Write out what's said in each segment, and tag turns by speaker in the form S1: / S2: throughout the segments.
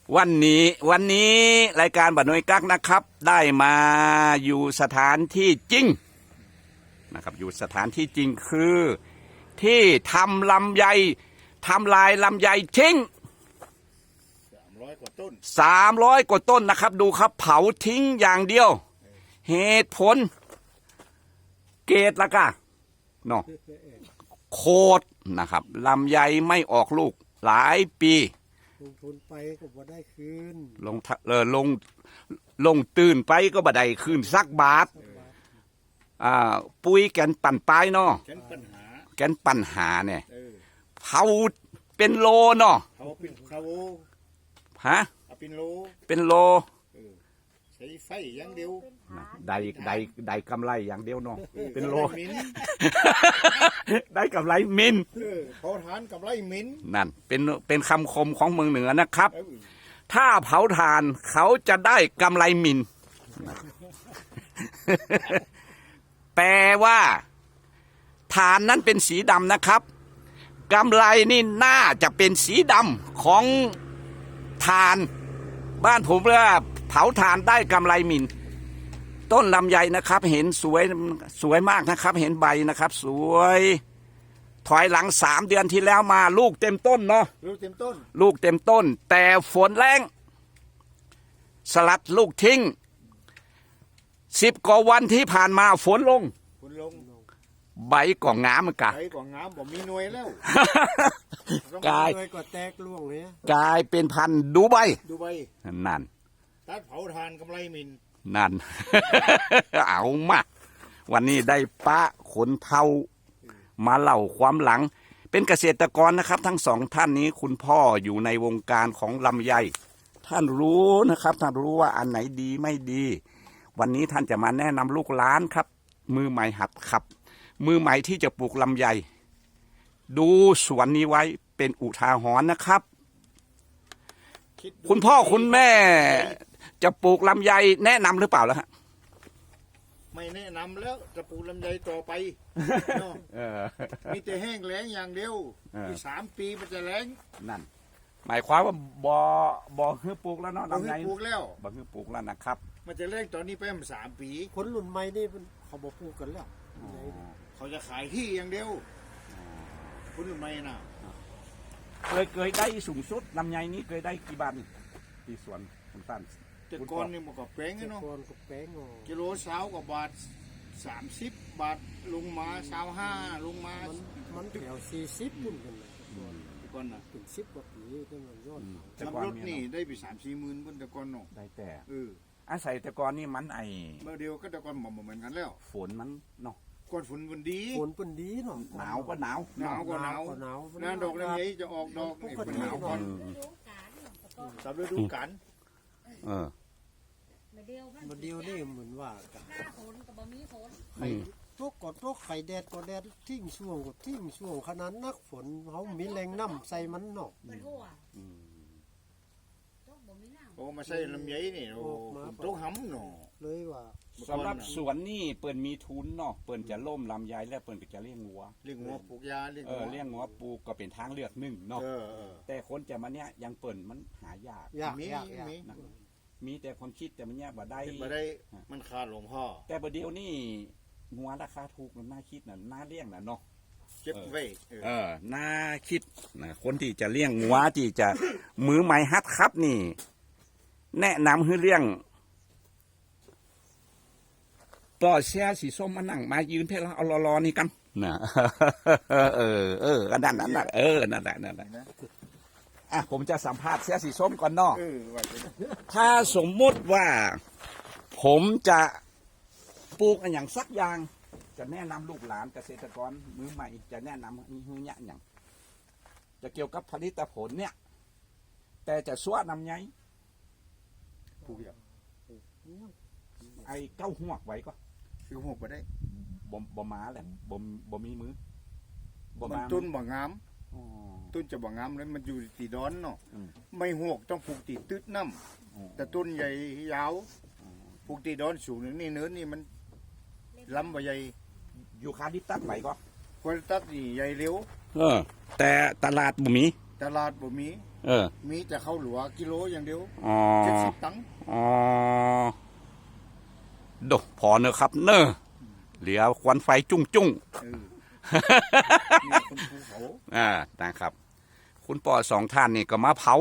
S1: วันนี้รายการบัดน้อยกักนะครับได้มาอยู่สถานที่จริงนะครับอยู่สถานที่จริงคือที่ทำลำไยทำลายลำไยทิ้ง
S2: 300 กว่าต้น
S1: 300 กว่าต้นนะครับดูครับเผาทิ้งอย่างเดียวเหตุผลเกตละกะเนาะโคตรนะครับลำไยไม่ออกลูกหลายปี
S3: ลงทุนไปก็บ่ได้คืน
S1: ลงตื่นไปก็บ่ได้คืนสักบาทปุ๋ยแกนปั่นปลายเนาะแกนปัญหาเนี่ยเผาเป็นโลเนาะ
S2: เผาเป็นคาโว
S1: ฮะเป็นโล
S2: ใช้ไฟอย่างเดียว
S1: ได้กำไรอย่างเดียวเนาะเป็นโลได้กำไรมิน
S2: เผาถ่านกำไรมิน
S1: นั่นเป็นคำคมของเมืองเหนือนะครับถ้าเผาถ่านเขาจะได้กำไรมินแปลว่าถ่านนั้นเป็นสีดำนะครับกำไรนี่น่าจะเป็นสีดำของถ่านบ้านผมเรียกว่าเผาถ่านได้กำไรมินต้นลำไยนะครับเห็นสวยมากนะครับเห็นใบนะครับสวยถอยหลัง3 เดือนที่แล้วมาลูกเต็มต้นเนาะ
S2: ลูกเต็ม
S1: ต้นแต่ฝนแรงสลัดลูกทิ้ง10 กว่าวันที่ผ่านมาฝนลงใบก่องงามมันกะ
S2: ใบก่องงามบ่มีหน่วยแล้ว
S1: กลาย
S3: ก็แตกล่วงเลย
S1: กลายเป็นพันธุ์ดูใบนั่น
S2: ตัดเผาถ่านกำไรมิน
S1: นั่น เอามาวันนี้ได้ป้าขนเทามาเล่าความหลังเป็นเกษตรกรนะครับทั้งสองท่านนี้คุณพ่ออยู่ในวงการของลำไยท่านรู้นะครับท่านรู้ว่าอันไหนดีไม่ดีวันนี้ท่านจะมาแนะนำลูกหลานครับมือใหม่หัดขับมือใหม่ที่จะปลูกลำไยดูสวนนี้ไว้เป็นอุทาหรณ์นะครับคุณพ่อคุณแม่จะปลูกลำไยแนะนำหรือเปล่าแล้วฮะ
S2: ไม่แนะนำแล้วจะปลูกลำไยต่อไปมีแต่แห้งแล้งอย่างเดียวอีก3 ปีมันจะแล้ง
S1: นั่นหมายความว่าบ่ฮื้อปลูกแล้วเนาะลำไย
S2: ปลูกแล้ว
S1: บ่ฮื้อปลูกแล้วนะครับ
S2: มันจะแล้งตอนนี้ไปมัน3 ปี
S3: คนรุ่นใหม่นี่เขาบ่ปลูกกันแล้ว
S2: เขาจะขายที่อย่างเดียวคนรุ่นใหม่น่ะ
S1: เคยได้สูงสุดลำไยนี้เคยได้กี่บาทที่สวนคุณตั้น
S2: แต่ก่อนนี่มันก็แพงเนาะกิโล20 กว่าบาท30 บาทลงมา25ลงมา
S3: มันแถว40พุ่นกันเลย
S2: แต่ก่อนน่ะ
S3: เป็น10 กว่าปีขึ้นมันยอด
S2: ขับรถนี่ได้ไป3-4 หมื่นบนแต่ก่อนเนาะ
S1: ได้แต่อาศัยแต่ก่อนนี่มัน
S2: เมื่อเดียวก็แต่ก่อนเหมือนกันแล้ว
S1: ฝนมันเนาะ
S2: ก่อนฝนมันดี
S3: เนาะ
S1: หนาวก็หนาว
S2: หน้าดอกลำไยจะออกดอกนี่เป็นหนาวก่อนสำฤดูกาล
S3: มาเดียวนี่เหมือนว่าหน้าฝนกับบ่มีฝนตกไข่แดดก็แดดทิ้งช่วงก็ทิ้งช่วงขนาดนักฝนเขามีแรงน้ำใส่มันเนาะ
S2: โอ้มาใส่ลำไยนี่โอ้ตกหำเนาะ
S3: เลยว่า
S1: สำหรับสวนนี่เปิ่นมีทุนเนาะเปิ่นจะล่มลำไยแล้วเปิ่นก็จะเลี้ยงงัว
S2: ปลูกยาเลี้ย
S1: งงัวปลูกก็เป็นทางเลือกหนึ่งเนาะแต่คนจะมาเนี้ยยังเปิ่นมันหายากมีแต่คนคิดแต่มันเนี้ยบ่ได้
S2: มันขาดหลวงพ่อ
S1: แต่ประเดี๋ยวนี่งัวราคาถูกมันน่าคิดน่าเลี้ยงเนาะ
S2: เก็บไว้
S1: น่าคิดนะคนที่จะเลี้ยงงัวที่จะมือใหม่ฮัดครับนี่แนะนำให้เลี้ยงปอเสียสีส้มมานั่งมายืนเพื่อเอารอนี่กันนะนั่นนั่นนั่นแหละผมจะสัมภาษณ์เสียสีส้มก่อนเนาะถ้าสมมุติว่าผมจะปลูกอย่างสักอย่างจะแนะนำลูกหลานเกษตรกรมือใหม่จะแนะนำนี่อย่างจะเกี่ยวกับผลิตผลเนี่ยแต่จะสวดนำไง
S2: ปลูกอย่าง
S1: ไอ้เก้าหัวไว้ก็
S2: คือหัวไปได้
S1: บ่มาแหละบ่มีมือ
S2: มันต้นบ่งามต้นจะบ่งามแล้วมันอยู่ตีดอนเนาะไม่หัวต้องปลูกตีตืดน้ำแต่ต้นใหญ่ยาวปลูกตีดอนสูงนี่เนื้อนี่มันล้ำบ่ใหญ่
S1: อยู่คาดิตัดไว้ก็
S2: ควรตัดนี่ใหญ่เร็ว
S1: แต่ตลาดบ่มี
S2: ตลาดบ่มี มีแต่ข้าวหลัวกิโลอย่างเดียว
S1: อ๋อ
S2: 70 ตังค์
S1: อ๋อโดพอเนอะครับเนอะเหลือควันไฟจุ้งจุ้ง
S2: มีคนภูเขา
S1: นะครับ คุณปอสองท่านนี่ก็มาเผา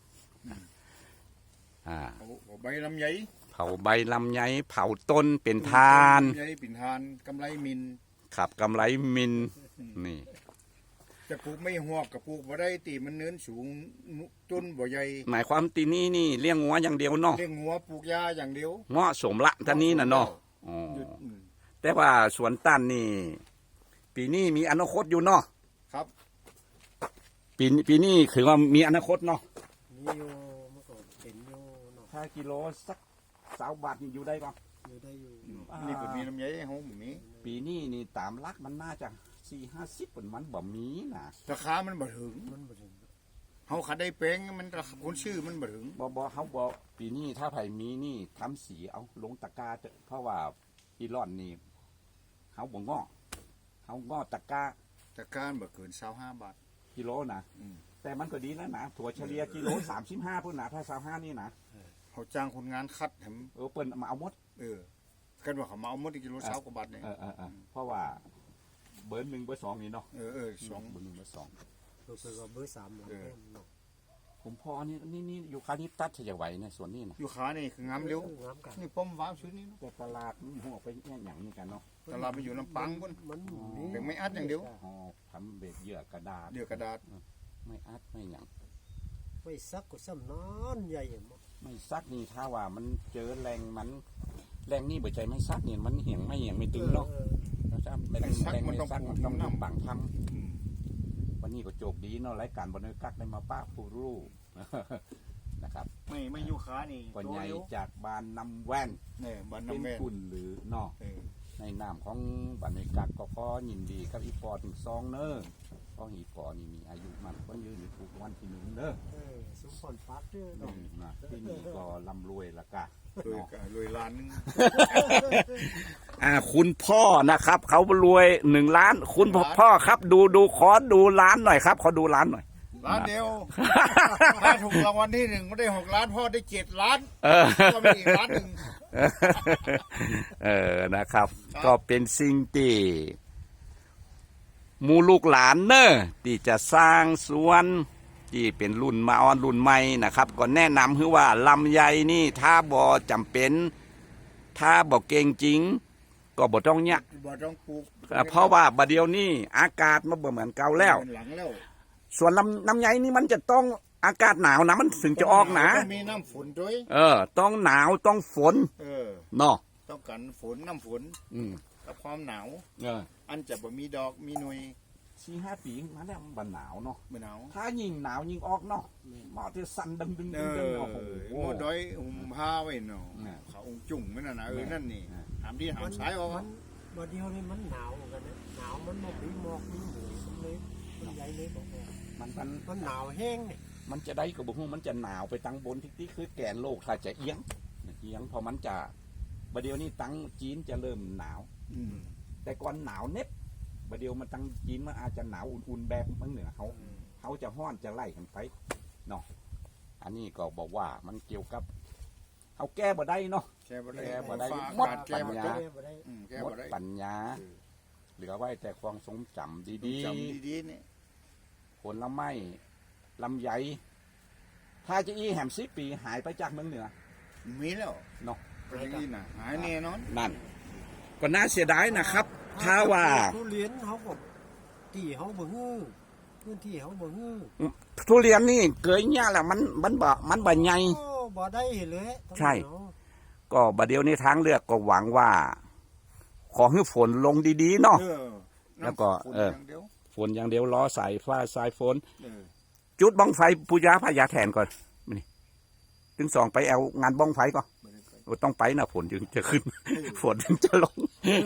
S2: เอาใบลำไย
S1: เผาใบลำไยเผาต้นเป็นทาน
S2: ลำไยปิ่นทานกำไรมิน
S1: ขับกำไรมินนี่
S2: จะปลูกไม่หวกกับปลูกบ่ได้ตีมันเนินสูงต้นบ่ใหญ่
S1: หมายความตีนี้นี่เลี้ยงงัวอย่างเดียวเนาะ
S2: เลี้ยงงัวปลูกยาอย่างเดียว
S1: เหมาะสมละท่านนี้นะเนาะอ๋อ
S2: หยุด
S1: แต่ว่าสวนตันนี่ ปีนี้มีอนาคตอยู่เนาะ
S2: ครับ
S1: ปีนี้คือว่ามีอนาคตเนาะ
S3: มีอยู่เมื่อก่อนเป็นอยู่เนาะ
S1: ถ้ากิโลสัก20 บาทนี่อยู่ได้ก่อน
S3: อยู่ได้อยู่
S2: นี่ก็มีลำไยให้เฮาบ่มี
S1: ปีนี้นี่ตามลักมันน่าจะ40-50เป็นมันบ่มีนะ
S2: ราคามันบ่ถึง
S3: มันบ่ถึง
S2: เฮาขัดได้แปลงมันราคาคนชื่อมันบ่ถึง
S1: บ่เขาบอกปีนี้ถ้าไผมีนี่ทำสีเอาลงตะกร้าเถอะเพราะว่าอีร่อนนี่เขาบ่งอเขางอตะกร้า
S2: แต่การบ่เกิน25 บาท
S1: กิโลนะ
S2: อืม
S1: แต่มันก็ดีแล้วนะถั่วเฉลี่ยกิโล35พุ่นนะถ้า25นี่นะ
S2: เขาจ้างคนงานคัดให้มัน
S1: เปิ้นมาเอาหมด
S2: กันว่าเขามาเอาหมดกิโล20 กว่าบาทเนี่ย
S1: เพราะว่าเบอร์1เบอร์2นี่เนาะ
S2: สอง
S1: เบอร์1เบอร์2
S3: รู้สึกว่าเบอร์3หมดเนาะ
S1: ผมพอนี่อยู่คานี้ตัดจะไหวในส่วนนี้นะ
S2: อยู่ขานี่คืองามเร็ว
S3: งามกัน
S2: นี่ป้อมว้าวชุดนี้เนาะ
S1: แต่ตลาดมันหัวไปแย่อย่างนี้กันเนาะ
S2: ตลาดไปอยู่ลำปางพุ่น
S3: มันมี
S2: เป็นไม่อัดอย่างเดียว
S1: ห่อทำเบ็ดเหยื่อกระดาษ
S2: เดี๋ยวกระดาษ
S1: ไม่อัดไม่หยัง
S3: ไว้ซักก็ซ้ำนอนใหญ่หมด
S1: ไม่ซักนี่ถ้าว่ามันเจอแรงมันแรงนี่บ่ใจไม่ซักนี่มันเหี่ยงไม่ตึงเนาะนะครับไม่แรงไม่ซักมันต้องทำบังทำวันนี้ก็โจกดีเนาะรายการบนกักได้มาป้าผู้รู้ นะครับ
S2: ไม่อยู่ขานี่
S1: ก่อนใหญ่จากบานนำแว่น
S2: เนี่ยบ้าน
S1: เป็น
S2: น้ำแม่
S1: คุณหรือเนาะในนามของบันกักก็ขอยินดีกับอีปอถึงซองเนอเพราะอีปอนี่มีอายุมันก็ยืนอยู่ทุกวันที่1เด้อ
S3: สุพรปักเด้อเนาะ
S1: นะที่นี่ก็ร่ำรวยละกะ
S2: รวยล้านนึง
S1: คุณพ่อนะครับ เขารวย1 ล้าน คุณพ่อครับดูขอดูล้านหน่อยครับขอดูล้านหน่อย
S2: ล้านเดียวถ้าถูกรางวัลที่1ไม่ได้6 ล้านพ่อได้7 ล้านก็มีอีกล้านหนึ่ง
S1: นะครับ ก็เป็นสิ่งที่หมูลูกหลานเนอะที่จะสร้างสวนที่เป็นรุ่นมาออนรุ่นใหม่นะครับ ก็แนะนำคือว่าลำไยนี่ถ้าบ่จำเป็น ถ้าบ่เก่งจริง ก็บ่ต้องเนี่ย
S2: บ่ต้องปลูก
S1: เพราะว่าบัดเดียวนี้อากาศมันบ่เหมือนเก่าแล้ว
S2: หลังแล้ว
S1: ส่วนลำไยนี่มันจะต้องอากาศหนาวนะมันถึงจะออกหนา
S2: ต้องมีน้ำฝนด้วย
S1: ต้องหนาวต้องฝนเนาะ
S2: ต้องกันฝนน้ำฝน กับความหนาว อันจะบ่มีดอกมีหน่วย
S1: 4-5 ปีมาแล้วมันบ่หนาวเนาะ
S2: บ่หนาว
S1: ถ้ายิ่งหนาวยิ่งออกเนาะหมอที่สั่นดึงโอ้โห
S2: หมอดอยผ้าไว้เนาะเขาองจุ่งนั่นน่ะนั่นนี่หามที่หามสายออก
S3: มันบ่เดียวนี่มันหนาวกันนะหนาวมันบ่มีหมอกมีหมอกมันเลยมันใหญ่เลยบอกว่า มันหนาวแห้งนี่
S1: มันจะได้กับบุ้งมันจะหนาวไปตั้งบนที่คือแกนโลกถ้าจะเอียงพอมันจะประเดี๋ยวนี้ตั้งจีนจะเริ่มหนาวแต่ก่อนหนาวเน็บประเดี๋ยวมันตั้งจีนมันอาจจะหนาวอุ่นๆแบบมันเหนือเขาจะห้อนจะไล่กันไปเนาะอันนี้ก็บอกว่ามันเกี่ยวกับเขาแก้บ่ได้เนาะ
S2: แก้บ่ได้
S1: หมด
S2: แก้บ่ได้
S1: หมดปัญญาเหลือไว้แต่ความทรงจำดี
S2: จำดีๆนี่
S1: ๆผลไม้ลำไยถ้าจะอีแหม10 ปีหายไปจากเมืองเหนือ
S2: มีแล้ว
S1: เนาะ
S2: ประเทศน่ะหายแน่นอน
S1: นั่นก็น่าเสียดายนะครับ ถ้าว่า
S3: ทุเรียนเขาก็ที่เขาบ่ฮื้อพื้นที่เขาบ่ฮื้อ
S1: ทุเรียนนี่เกยเนี่ยแหละมันบ่ใหญ่
S3: โอ้บ่ได้เลย
S1: ใช่ ก็บัดเดียวนี้ทางเลือกก็หวังว่า ขอให้ฝนลงดีๆเนาะ แล้วก็ ฝนอย่างเดียวรอสายฟ้าสายฝนจุดบ้องไฟปูยาพญาแทนก่อนนี่ถึง2ไปเอางานบ้องไฟก่อนต้องไปนะฝนจึงจะขึ้น ฝนถึงจะลง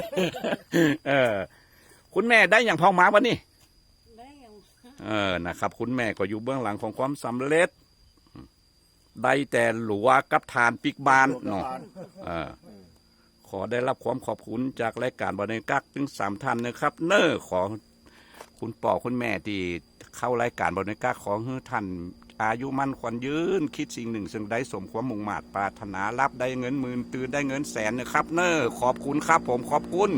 S1: คุณแม่ได้อย่างพอมาวันนี้
S4: ได้ยัง
S1: นะครับคุณแม่ก็อยู่เบื้องหลังของความสำเร็จ ได้แต่หลัวกับทานปิกบานเนาะขอได้รับความขอบคุณจากรายการบรรยากาศถึง3 ท่านนะครับ ขอคุณป่อคุณแม่ที่เข้ารายการบริการของฮือท่านอายุมั่นขวัญยืนคิดสิ่งหนึ่งซึ่งได้สมความมุ่งมา่ปรารถนารับได้เงินหมื่นตื่นได้เงินแสนนะครับเนอขอบคุณครับผมขอบคุณ